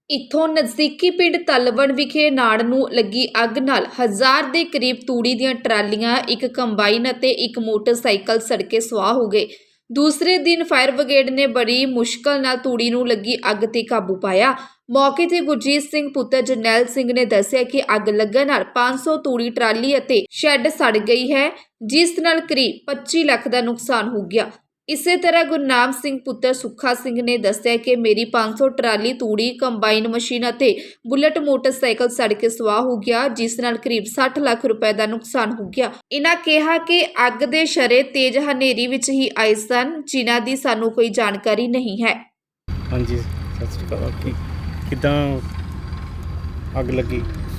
ਇੱਥੋਂ ਨਜ਼ਦੀਕੀ ਪਿੰਡ ਤਲਵਣ ਵਿਖੇ ਨਾੜ ਨੂੰ ਲੱਗੀ ਅੱਗ ਨਾਲ 1000 ਦੇ ਕਰੀਬ ਤੂੜੀ ਦੀਆਂ ਟਰਾਲੀਆਂ, ਇੱਕ ਕੰਬਾਈਨ ਅਤੇ ਇੱਕ ਮੋਟਰਸਾਈਕਲ ਸੜ ਕੇ ਸੁਆਹ ਹੋ ਗਏ। ਦੂਸਰੇ ਦਿਨ ਫਾਇਰ ਬ੍ਰਿਗੇਡ ਨੇ ਬੜੀ ਮੁਸ਼ਕਲ ਨਾਲ ਤੂੜੀ ਨੂੰ ਲੱਗੀ ਅੱਗ ਤੇ ਕਾਬੂ ਪਾਇਆ। ਮੌਕੇ ਤੇ ਗੁਰਜੀਤ ਸਿੰਘ ਪੁੱਤਰ ਜਰਨੈਲ ਸਿੰਘ ਨੇ ਦੱਸਿਆ ਕਿ ਅੱਗ ਲੱਗਣ ਨਾਲ 500 ਤੂੜੀ ਟਰਾਲੀ ਅਤੇ ਸ਼ੈੱਡ ਸੜ ਗਈ ਹੈ, ਜਿਸ ਨਾਲ ਕਰੀਬ 25 ਲੱਖ ਦਾ ਨੁਕਸਾਨ ਹੋ ਗਿਆ। ਇਸੇ ਤਰ੍ਹਾਂ ਗੁਰਨਾਮ ਸਿੰਘ ਪੁੱਤਰ ਸੁੱਖਾ ਸਿੰਘ ਨੇ ਦੱਸਿਆ ਕਿ ਮੇਰੀ 500 ਟਰਾਲੀ ਤੂੜੀ, ਕੰਬਾਈਨ ਮਸ਼ੀਨ ਅਤੇ ਬੁਲਟ ਮੋਟਰਸਾਈਕਲ ਸੜ ਕੇ ਸੁਆਹ ਹੋ ਗਿਆ, ਜਿਸ ਨਾਲ ਕਰੀਬ 60 ਲੱਖ ਰੁਪਏ ਦਾ ਨੁਕਸਾਨ ਹੋ ਗਿਆ। ਇਹਨਾਂ ਕਿਹਾ ਕਿ ਅੱਗ ਦੇ ਸ਼ਰੇ ਤੇਜ਼ ਹਨੇਰੀ ਵਿੱਚ ਹੀ ਆਏ ਸਨ, ਜਿਨ੍ਹਾਂ ਦੀ ਸਾਨੂੰ ਕੋਈ ਜਾਣਕਾਰੀ ਨਹੀਂ ਹੈ। ਹਾਂਜੀ, ਸਤਿ ਸ਼੍ਰੀ ਅਕਾਲ। ਕਿੱਦਾਂ ਅੱਗ ਲੱਗੀ?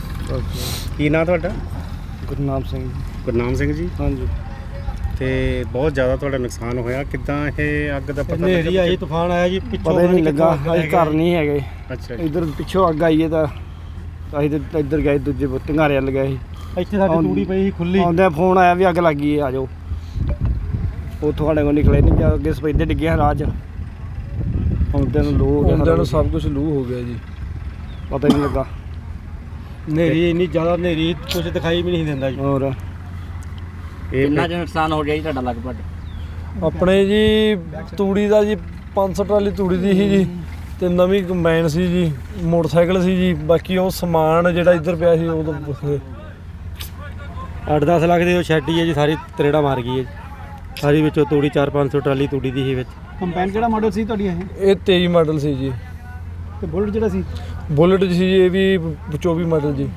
ਕੀ ਨਾਂ ਤੁਹਾਡਾ? ਗੁਰਨਾਮ ਸਿੰਘ। ਗੁਰਨਾਮ ਸਿੰਘ ਜੀ। ਹਾਂਜੀ। ਤੇ ਬਹੁਤ ਜ਼ਿਆਦਾ ਤੁਹਾਡਾ ਨੁਕਸਾਨ ਹੋਇਆ। ਕਿੱਦਾਂ ਇਹ ਅੱਗ ਦਾ ਪਤਾ ਹਨੇਰੀ ਆਈ, ਤੂਫਾਨ ਆਇਆ ਜੀ, ਪਤਾ ਹੀ ਨਹੀਂ ਲੱਗਾ। ਅਸੀਂ ਘਰ ਨਹੀਂ ਹੈਗੇ। ਅੱਛਾ। ਇੱਧਰ ਪਿੱਛੋਂ ਅੱਗ ਆਈ ਹੈ ਤਾਂ ਅਸੀਂ ਤਾਂ ਇੱਧਰ ਗਏ, ਦੂਜੇ ਟੰਗਾਰੇ ਵੱਲ ਗਏ ਸੀ। ਇੱਥੇ ਸਾਡੀ ਤੂੜੀ ਪਈ ਸੀ ਖੁੱਲੀ, ਆਉਂਦਿਆਂ ਫੋਨ ਆਇਆ ਵੀ ਅੱਗ ਲੱਗ ਗਈ ਹੈ, ਆ ਜਾਓ। ਉਹ ਤੁਹਾਡੇ ਕੋਲ ਨਿਕਲੇ ਨਹੀਂ, ਜਾ ਅੱਗੇ ਸਪੈਦੇ ਡਿੱਗੇ ਰਾਹ 'ਚ। ਆਉਂਦਿਆਂ ਨੂੰ ਲੂ ਹੋ ਗਿਆ, ਆਉਂਦਿਆਂ ਨੂੰ ਸਭ ਕੁਝ ਲੂ ਹੋ ਗਿਆ ਜੀ, ਪਤਾ ਹੀ ਨਹੀਂ ਲੱਗਾ। ਹਨੇਰੀ ਇੰਨੀ ਜ਼ਿਆਦਾ, ਹਨੇਰੀ ਕੁਝ ਦਿਖਾਈ ਵੀ ਨਹੀਂ ਦਿੰਦਾ ਜੀ। ਹੋਰ ਕਿੰਨਾ ਕੁ ਨੁਕਸਾਨ ਹੋ ਗਿਆ ਜੀ ਤੁਹਾਡਾ ਲਗਭਗ? ਆਪਣੇ ਜੀ ਤੂੜੀ ਦਾ ਜੀ 500 ਟਰਾਲੀ ਤੂੜੀ ਦੀ ਸੀ ਜੀ, ਤੇ ਨਵੀਂ ਕੰਬਾਈਨ ਸੀ ਜੀ, ਮੋਟਰਸਾਈਕਲ ਸੀ ਜੀ। ਬਾਕੀ ਉਹ ਸਮਾਨ ਜਿਹੜਾ ਇੱਧਰ ਪਿਆ ਸੀ ਉਹ ਤਾਂ 8-10 ਲੱਖ ਦੀ ਉਹ ਸ਼ੈੱਡ ਹੀ ਹੈ ਜੀ, ਸਾਰੀ ਤਰੇੜਾ ਮਾਰ ਗਈ ਹੈ ਜੀ ਸਾਰੀ। ਵਿੱਚੋਂ ਤੂੜੀ 400-500 ਟਰਾਲੀ ਤੂੜੀ ਦੀ ਸੀ ਵਿੱਚ। ਕੰਬਾਈਨ ਕਿਹੜਾ ਮਾਡਲ ਸੀ ਤੁਹਾਡੀ? ਇਹ 23 ਮਾਡਲ ਸੀ ਜੀ। ਤੇ ਬੁਲਟ ਜਿਹੜਾ ਸੀ? ਬੁਲਟ ਸੀ ਜੀ, ਇਹ ਵੀ 24 ਮਾਡਲ ਜੀ।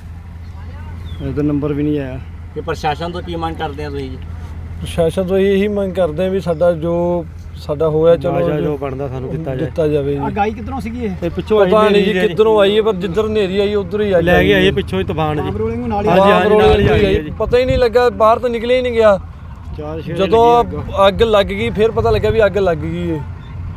ਇਹਦਾ ਨੰਬਰ ਵੀ ਨਹੀਂ ਆਇਆ। ਕਿ ਪ੍ਰਸ਼ਾਸਨ ਤੋਂ ਕੀ ਮੰਗ ਕਰਦੇ ਆ ਤੁਸੀਂ ਜੀ? ਪ੍ਰਸ਼ਾਸਨ ਤੋਂ ਇਹੀ ਮੰਗ ਕਰਦੇ ਆ ਵੀ ਸਾਡਾ ਹੋਇਆ ਚਲੋ ਜੋ ਬਣਦਾ ਸਾਨੂੰ ਦਿੱਤਾ ਜਾਵੇ ਜੀ। ਅੱਗ ਆਈ ਕਿੱਧਰੋਂ ਸੀਗੀ ਇਹ ਪਿੱਛੋਂ ਪਤਾ ਨਹੀਂ ਜੀ ਕਿੱਧਰੋਂ ਆਈ ਹੈ, ਪਰ ਜਿੱਧਰ ਹਨੇਰੀ ਆਈ ਉਧਰ ਹੀ ਲੈ ਕੇ ਆਈ ਪਿੱਛੋਂ ਹੀ ਤੂਫਾਨ ਜੀ। ਹਾਂਜੀ, ਪਤਾ ਹੀ ਨਹੀਂ ਲੱਗਾ, ਬਾਹਰ ਤਾਂ ਨਿਕਲਿਆ ਹੀ ਨਹੀਂ ਗਿਆ। ਜਦੋਂ ਅੱਗ ਲੱਗ ਗਈ ਫਿਰ ਪਤਾ ਲੱਗਾ ਵੀ ਅੱਗ ਲੱਗ ਗਈ ਹੈ।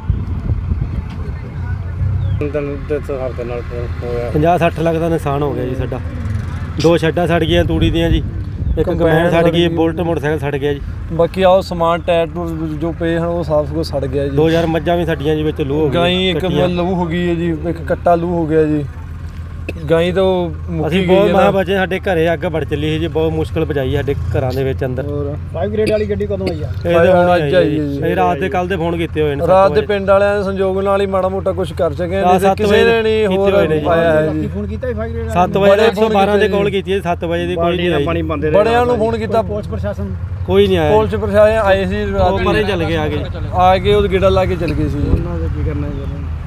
50-60 ਲੱਖ ਦਾ ਨੁਕਸਾਨ ਹੋ ਗਿਆ ਜੀ ਸਾਡਾ। 2 ਸ਼ੈੱਡਾਂ ਸੜ ਗਈਆਂ ਤੂੜੀ ਦੀਆਂ ਜੀ, ਇੱਕ ਕੰਬਾਈਨ ਸੜ ਗਈ, ਬੁਲਟ ਮੋਟਰਸਾਈਕਲ ਸੜ ਗਿਆ ਜੀ। ਬਾਕੀ ਆਹ ਸਮਾਨ ਟਾਇਰ ਜੋ ਪਏ ਹਨ ਉਹ ਸਾਫ ਕੁਝ ਸੜ ਗਿਆ ਜੀ। 2000 ਮੱਝਾਂ ਵੀ ਸਾਡੀਆਂ ਜੀ ਵਿੱਚ ਲੂ ਹੋ ਗਈ, ਗਾਈ ਇੱਕ ਲੂ ਹੋ ਗਈ ਹੈ ਜੀ, ਇੱਕ ਕੱਟਾ ਲੂ ਹੋ ਗਿਆ ਜੀ। ਗਾਈ ਤਾਂ ਅਸੀਂ ਬਹੁਤ ਮਾਂ ਬਚੇ, ਸਾਡੇ ਘਰੇ ਅੱਗ ਵੜ ਚੱਲੀ ਸੀ ਜੀ, ਬਹੁਤ ਮੁਸ਼ਕਲ ਬਚਾਈ ਸਾਡੇ ਘਰਾਂ ਦੇ ਵਿੱਚ ਅੰਦਰ। 5 ਗ੍ਰੇਡ ਵਾਲੀ ਗੱਡੀ ਕਦੋਂ ਆਈ ਆ? ਇਹ ਅੱਜ ਆਈ ਜੀ। ਇਹ ਰਾਤ ਦੇ ਕੱਲ ਦੇ ਫੋਨ ਕੀਤੇ ਹੋਏ ਨੇ, ਰਾਤ ਦੇ ਪਿੰਡ ਵਾਲਿਆਂ ਦੇ ਸੰਯੋਗ ਨਾਲ ਹੀ ਮਾੜਾ ਮੋਟਾ ਕੁਝ ਕਰ ਸਕੇ, ਕਿਸੇ ਨੇ ਨਹੀਂ ਹੋਰ ਪਾਇਆ ਹੈ ਜੀ। ਫੋਨ ਕੀਤਾ 5 ਗ੍ਰੇਡ 7 ਵਜੇ 112 ਦੇ ਕਾਲ ਕੀਤੀ ਹੈ, 7 ਵਜੇ ਦੀ ਕੋਈ ਨਹੀਂ ਆਈ। ਬੜਿਆਂ ਨੂੰ ਫੋਨ ਕੀਤਾ, ਪੁਲਿਸ ਪ੍ਰਸ਼ਾਸਨ ਕੋਈ ਨਹੀਂ ਆਇਆ। ਪੁਲਿਸ ਪ੍ਰਸ਼ਾਸਨ ਆਏ ਸੀ ਰਾਤ, ਪਰੇ ਚੱਲ ਗਏ, ਆ ਗਏ ਉਹ ਗੇੜਾ ਲਾ ਕੇ ਚੱਲ ਗਏ ਸੀ। ਉਹਨਾਂ ਦਾ ਕੀ ਕਰਨਾ ਹੈ?